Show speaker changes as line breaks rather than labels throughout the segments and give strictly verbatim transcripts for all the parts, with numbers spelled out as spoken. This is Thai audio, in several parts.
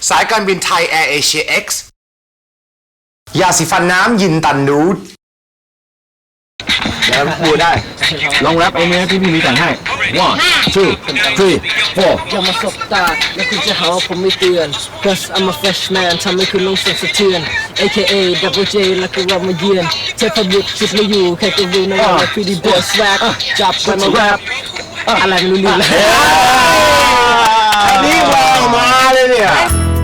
สายการบินไทยแอร์เอเชีย X ยาสีฟันน้ำยินตันนูดแล้วพูดได้ลองแรปเองไหมพี่พี่มีแต่งให้ one two three four
อย่ามาสบตาแล้วคุณจะหาว่าผมไม่เตือน cause I'm a freshman ทำให้คุณลงสั่นสะเทือน เอ เค เอ Double J แล้วก็เรามาเยือนเทพบุตรชุดไม่อยู่ใครก็รู้นะว่า pretty boy swag จับกันมาแรปอะไรไม่รู้เรื่องเลย
อันนี้วางมาเลยเนี่ย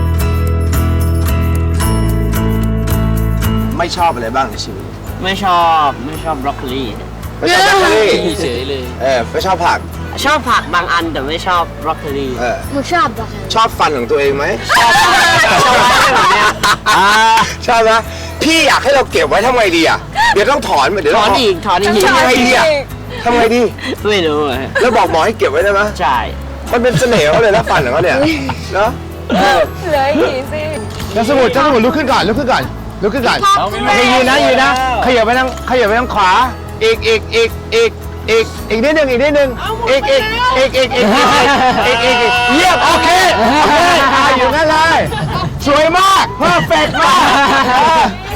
ไม่ชอบอะไรบ้างในชีวิต
ไม่ชอบไม่ชอบบรอกโคลี
ไม่ชอบแบล็คเบอร์รี่
เฉยเลย
เออไม่ชอบผัก
ชอบผักบางอันแต่ไม่ชอบบรอกโคลี
เออ
มึงชอบปะ
ชอบฟันของตัวเองไหม
ชอบแบบเนี้ย
อ่าชอบนะพี่อยากให้เราเก็บไว้ทำไงดีอ่ะเดี๋ยวต้องถอนเดี๋ยว
ถ
ต้
อ
อนง
อีกถอนอีก
ทำไงดีอ่ะทำไงดี
ไม่รู้อะ
แล้วบอกหมอให้เก็บไว้ได้ไหม
ใช่
มันเป็นเสน่ห์เขาเลยนะฟันของเขาเนี่ยเนาะ
เหลืออีกสิ
แล้วสมุดเจ้าสมุดลุกขึ้นก่อนลุกขึ้นก่อนลุกขึ้นก่อนโอเคยืนนะยืนนะขยับไปทางขยับไปทางขวาอีกอีกอีกอีกอีกอีกนิดนึงอีกนิดนึงอีกอีกอีกอีกอีกอีกอีกอีกเยี่ยมโอเคโอเคอ่าอยู่นั่นเลยสวยมากเพอร์เฟกต์มาก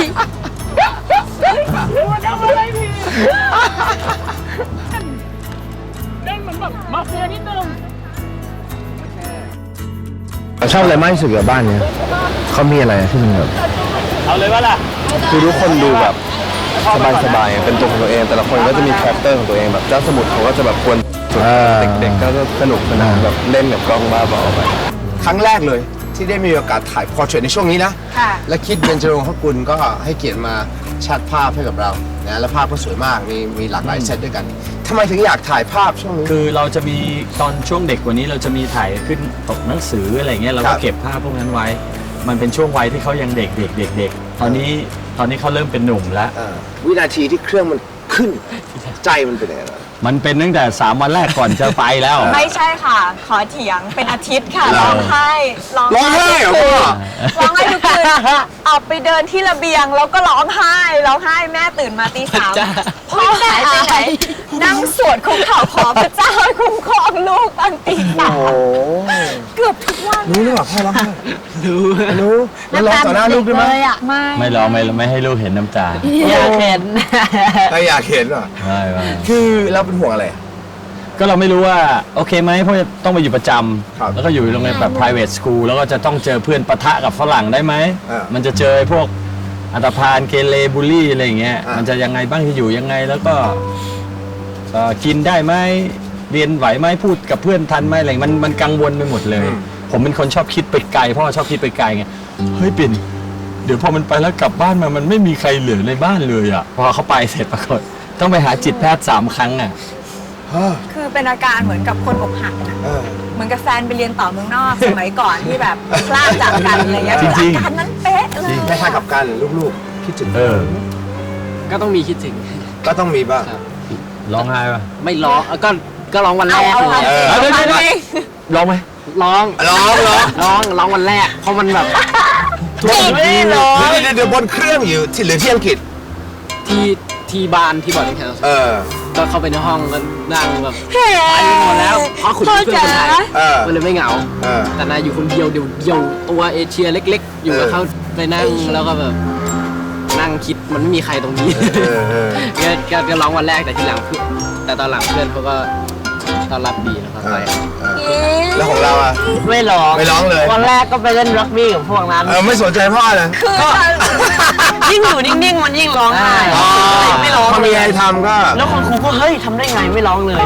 ชอบอะไรมากที่สุดกับบ้านเนี้ยเขามีอะไรที่มันแบบ
เอาเลยวะล่ะ
คือทุกคนดูแบบสบายๆเป็นตัวของตัวเอง แต่ละคนก็จะมีคาแรคเตอร์ของตัวเองแบบเจ้าสมุทรเขาก็จะแบบควรเด็กๆก็จะสนุกสนานแบบเล่นกับกล้องบ้าบอไป
ครั้งแรกเลยที่ได้มีโอกาสถ่ายพอร์เทรตในช่วงนี้นะ
ค่ะ
และคิดเบญจรงค์พกุลก็ให้เกียรติมาชัดภาพให้กับเรานะและภาพก็สวยมากมีมีหลากหลายเซตด้วยกันทำไมถึงอยากถ่ายภาพช่วงนี้
คือเราจะมีตอนช่วงเด็กกว่านี้เราจะมีถ่ายขึ้นปกหนังสืออะไรเงี้ยเรา
ครั
ก็
บ
เก็บภาพพวกนั้นไว้ มันเป็นช่วงวัยที่เขายังเด็กเด็กเด็กเด็กตอนนี้ตอนนี้เขาเริ่มเป็นหนุ่มแล้ว
เออวินาทีที่เครื่องมันขึ้นใจมันเป็นยังไงบ้าง
มันเป็นตั้งแต่สามวันแรกก่อนจะไปแล้ว
ไม่ใช่ค่ะ ขอเถียงเป็นอาทิตย์ค่ะ
เหรอ
ร้องไห้ร้อง
ร้องไห้เหรอพ่อ
ร้องไห้ทุกคืนออกไปเดินที่ระเบียงแล้วก็ร้องไห้ร้องไห้แม่ตื่นมาตีสามพ่อหายไปไหนนั่งสวดคุกเข่าขอพระเจ้าให้คุ้มครองลูกตอนตีสามเกือบทุกวัน
รู้หรือเปล่าพ่อร้องไห้รู้รู้แล้วร้องต่อหน้าลูกด้วยไหม
ไม่
ไม่ร้องไม่ไม่ให้ลูกเห็นน้ำตา
อยากเห็น
ไม่อยากเห็นเหรอ
ไม่ไม่
คือเราเป็นห่วงอะไร
ก็เราไม่รู้ว่าโอเคไหมเพราะจะต้องไปอยู่ประจ
ครับ
ำแล้วก็อยู่โรงเรียนแบบ private school แล้วก็จะต้องเจอเพื่อนปะทะกับฝรั่งได้ไหม
อ่ามั
มันจะเจอพวกอันธพาลเกเรบูลลี่อะไรอย่างเงี้ย
อ่ามั
มันจะยังไงบ้างที่อยู่ยังไงแล้วก็เอ่อกินได้ไหมเรียนไหวไหมพูดกับเพื่อนทันไหมอะไรมันมันกังวลไปหมดเลย ผมเป็นคนชอบคิดไปไกลเพราะว่าชอบคิดไปไกลไงเฮ้ยปิ่นเดี๋ยวพอมันไปแล้วกลับบ้านมามันไม่มีใครเหลือในบ้านเลยอ่ะพอเขาไปเสร็จปรากฏต้องไปหาจิตแพทย์สามครั้งอ่ะ
คือเป็นอาการเหมือนกับคนอกหักนะ
เออ
เหมือนกับแฟนไปเรียนต่อเมืองนอก สมัยก่อนที่แบบพลาดจากกันอะไรเงี้ย
จริงๆ
อาการนั้นเป๊ะเลย
คล้ายๆกับการลูกๆคิดถึง
เออ
ก็ต้องมีคิดถึง
ก็ต้องมีบ้าง
ร้องไห้ป่ะ
ไม่ร้องก็ก็ร้องวันแร
เอา
ก
เอา
เลย
เอา
เออ
เอาเอา
ร้องไหม
ร้อง
ร้องร้อง
ร้องร้องวันแรกเพราะมันแบบ
ไม่ได้หรอ
เดี๋ยวเดี๋ยวเดี๋ยวบนเครื่องอยู่ที่หรือที่อังกฤษ
ที่ที่บ้านที่บอร์ดดิ้งเฮาส์
เออ
ก็เข้าไปในห้องก็นั่งแบบ
เฮ้
ไปหมดแล้วเพราะขุน
พ่อ
เพื่อน
จ๋า
คนไทย
เออ
มันเลยไม่เหงา
เออ
แต่นายอยู่คนเดียวเดียวเดียวตัวเอเชียเล็ก ๆ อยู่กับ
เออ
เขาไปนั่งแล้วก็แบบนั่งคิดมันไม่มีใครตรงนี้
เออเออ
ก็ก็ก็ร้องวันแรกแต่ทีหลังเพื่อนแต่ตอนหลังเพื่อนเขาก็ต้อนรับดีนะครับไป
แล้วของเราอ่ะ
ไม่ร้อง
ไม่ร้องเลย
วันแรกก็ไปเล่นรักบี้กับพวกนั้น
เออไม่สนใจพ่อเลย
คือตอน
ยิ่งอยู่นิ่งๆมันยิ่งร้องไห้
อ๋อ
ไม่ร้อง
พอมีอะไรทำก็
แล้วคุณครูก็เฮ้ยทำได้ไงไม่ร้องเลย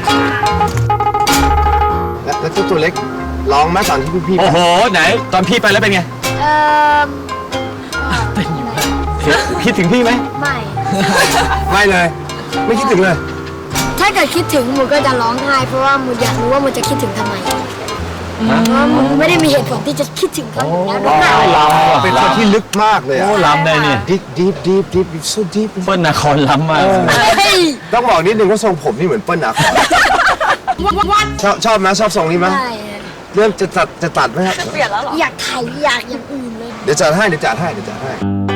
แล้วแล้วเจ้าตัวเล็กร้องไหมตอนที่พี่ๆ
โอ้โห ไหน ตอนพี่ไปแล้วเป็นไง
เออ
คิดถึงพี่ไหม
ไม่
ไม่เลย ไม่คิดถึงเลย
ถ้าเกิดคิดถึงมูก็จะร้องไห้เพราะว่ามูอยากรู้ว่ามูจะคิดถึงทำไมเพราะว่ามูไม่ได้มีเหตุผลที่จะคิดถึงเขาอยู่แล้วด้วย
ล้ำว่ะ
เป็นคนที่ลึกมากเลย
โอ้
อ่ะ
ล้ำได้นี่
deep deep deep deep so deep
เปิ้ลนาครล้ำมาก
เฮ้ย
ต้องบอกนิดนึงว่าทรงผมนี่เหมือนเปิ้ลนาครชอบชอบไหมชอบทรงนี้ไหม
ใช่
เริ่มจะตัดจะตัดไหมครับ
เปลี่ยนแล้วเหรอ
อยากไถอยากอย่างอื่นเลย
เดี๋ยวจัดให้เดี๋ยวจัดให้เดี๋ยวจัดให้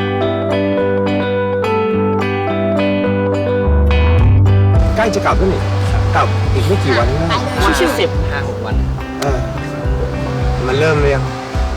ใกล้จะกลับแล้วนี่กลับอีกไม่กี่วันนะ
วันที่สิบห้าหกวัน
เออมันเริ่มเลยยัง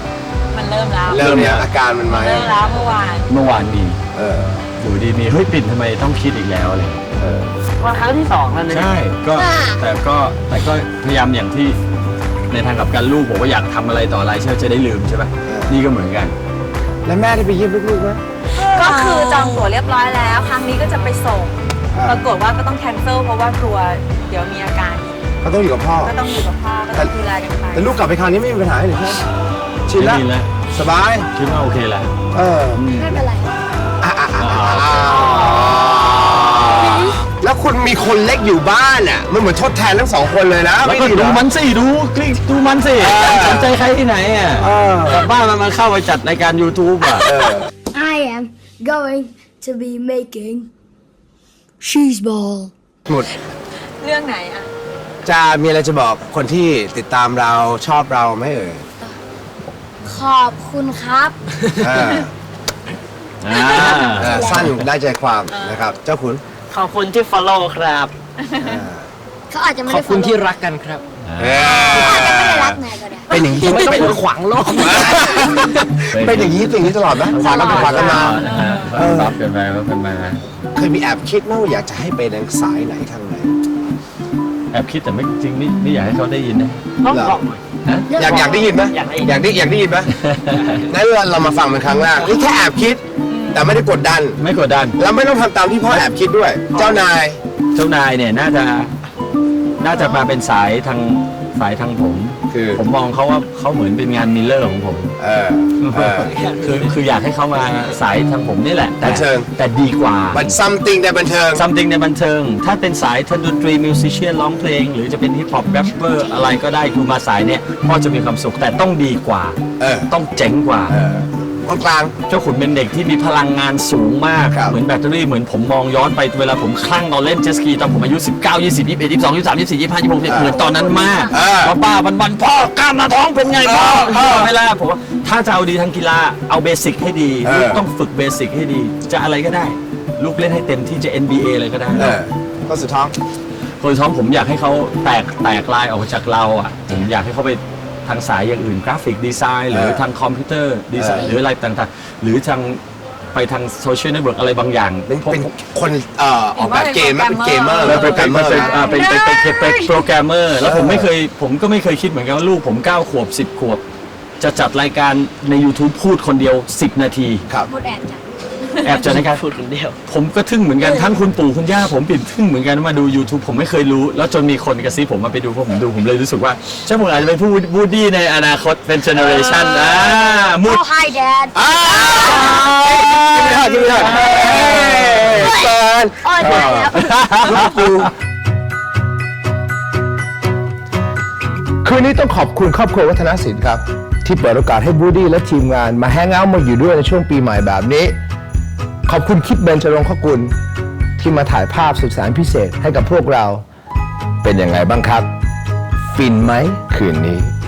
มันเริ่มแล้ว
เริ่มเนี่ยอาการมันมา
เริ่มแล้วเมื่อวาน
เมื่อวานมี
เออ
อยู่ดีมีเฮ้ยปิ่นทำไมต้องคิดอีกแล้วอะไรอย่างเงี้ย
เออ
วันครั้งที่สองแล้วนะ
ใช่ก็แต่ก็แต่ก็พยายามอย่างที่ในทางกลับกันลูกผมก็อยากทำอะไรต่ออะไรใช่ไหมจะได้ลืมใช่ไหมนี่ก็เหมือนกัน
แล้วแม่ได้ไปเยี่ยมลูกๆไหม
ก็คือจองตั๋วเรียบร้อยแล้ว ครั้งนี้ก็จะไปส่ง
อ่า
ปรากฏว่าก็ต้องแคนเซิลเพราะว่ากลัวเดี๋ยวมีอาการ
เขาต้องอยู่กับพ่อ
ก็ต้องอยู่กับพ่อก็ต้องดูแลกันไป
แต่ลูกกลับไปคราวนี้ไม่มีปัญหาเลยใช่ไหมชินแล้ว
ไม่มีแล้ว
สบาย
คิดว่าโอเคแล้ว
เออ
ไม่เป็นไร
อ่ะอ่ะอ่ะอ่ะอ่ะแล้วคุณมีคนเล็กอยู่บ้านอ่ะมันเหมือนทดแทนทั้งสองคนเลยนะ
แล้วก็
ไดีเหร
ดู
อ
มันสิดูคลิกดูมันสิ
เออ
สนใจใครที่ไหนอ่ะ
เออ
กลับบ้านมันมาเข้าไปจัดรายการ YouTube อ่ะ
เออ
I am going to be making cheese ball
หมด
เรื่องไหนอ่ะ
จะมีอะไรจะบอกคนที่ติดตามเราชอบเราไหมเอ่ย
ขอบคุณครับ
เออ
อ่า
เออสั้นได้ใจความนะครับ เจ้าคุณ
ขอบคุณที่ follow ครับ
เขาอาจจะไม่
ขอ
ได้
บคุณที่รักกันครับ
เอ
เขาอาจจะไม่ได้
อ
รักนายก็ได้
เป็นอย่างนี้
ไม่ต้องไปขวางโลก
เป็นอย่างนี้เป็นอย่างนี้ตลอดไหมขวางกันไปขวางกันมา
นะฮะรับกันไปรับกันมา
เคยมีแอบคิดไหมว่าอยากจะให้ไปทางสายไหนทางไหน
แอบคิดแต่ไม่จริงไม่ไม่อยากให้เขาได้ยินนะ
ต้องบอกหน่อย
ฮะ
อยากอยากได้ยินไหม
อยากได้ยิน
อยากได้อยากได้ยินไหมงั้นเรามาฟังเป็นครั้งแรกนี่แค่แอบคิด แต่ไม่ได้กดดัน
ไม่กดดัน
แล้วไม่ต้องทำตามที่พ่อแอบคิดด้วย เจ้านาย
เจ้านายเนี่ยน่าจะน่าจะมาเป็นสายทางสายทางผม
คือ
ผมมองเขาว่าเขาเหมือนเป็นงานมิลเลอร์ของผม
เออเออ
คือคืออยากให้เขามาสายทางผมนี่แหละ แต่
บันเทิง
แต่ดีกว่า
มัน something ในบันเทิง
something ในบันเทิง ถ้าเป็นสายทางดนตรีมิวสิชเชียนร้องเพลง หรือจะเป็นฮิปฮอปแรปเปอร์อะไรก็ได้คือมาสายเนี่ยพ่อจะมีความสุขแต่ต้องดีกว่า
เออ
ต้องเจ๋งกว่า
เออ กลาง
เจ้าขุนเป็นเด็กที่มีพลังงานสูงมาก
ครับ
เหมือนแบตเตอรี่เหมือนผมมองย้อนไปเวลาผมคลั่งตอนเล่นเจตสกีตอนผมอายุ สิบเก้า ยี่สิบ ยี่สิบเอ็ด ยี่สิบสอง ยี่สิบสาม ยี่สิบสี่ ยี่สิบห้า ยี่สิบหก เหมือนตอนนั้นมาก
เออ
ว่าป้าวันวันๆพ่อกล้ามหน้าท้องเป็นไงพ่อ
เออ
เวลาผมว่าถ้าจะเอาดีทางกีฬาเอาเบสิกให้ดี
เออ
ลูกต้องฝึกเบสิกให้ดี จะอะไรก็ได้ ลูกเล่นให้เต็มที่จะ เอ็น บี เอ อะไรก็ได้
ๆเออก็สุดท้อง
คนท้องผมอยากให้เขาแตกแตกลายออกจากเราอ่ะผมอยากให้เขาไปทางสายอย่างอื่นกราฟิกดีไซน์หรือ
เออ
ทางคอมพิวเตอร์ดีไซน์
เออ
หรืออะไรต่างๆ หรือทางไปทางโซเชียลเน็ตเวิร์กอะไรบางอย่าง
เป็น
พวก
เป็นคนเอ่อออกแบบเกมไหมเป็นเกมเมอร์
เออไป
โปรแกร
เป็น
มเมอร์
เป็น
นะ
อ่าเป็นเป็นเป็นเป็นเป็นโปรแกรมเมอร์แล้วผมไม่เคยผมก็ไม่เคยคิดเหมือนกันว่าลูกผมเก้าขวบสิบขวบ จะจัดรายการใน YouTube พูดคนเดียวสิบนาที
ครับ
พูดแอบจ้ะ
แอบจัดรายการ
พูดคนเดียว
ผมก็ทึ่งเหมือนกันทั้งคุณปู่คุณย่าผมปิดทึ่งเหมือนกันมาดู YouTube ผมไม่เคยรู้ แล้วจนมีคนกระซิบผมมาไปดูพอผมดูผมเลยรู้สึกว่าเจ้าผมอาจจะเป็นผู้วูดดี้ในอนาคตเป็นเจเนอเรชันอ่ามุด
Oh hi dad
อ้าวกินไม่ได้กินไม่ได้เฮ้ยเกิน
โอ้ยตายแล้ว
คืนนี้ต้องขอบคุณครอบครัววัฒนศิลป์ครับ ที่เปิดโอกาสให้บูดี้และทีมงานมาแฮงเอาท์มาอยู่ด้วยในช่วงปีใหม่แบบนี้ ขอบคุณคิดเบญจรงคกุลที่มาถ่ายภาพสุดแสนพิเศษให้กับพวกเรา เป็นยังไงบ้างครับ ฟินไหมคืนนี้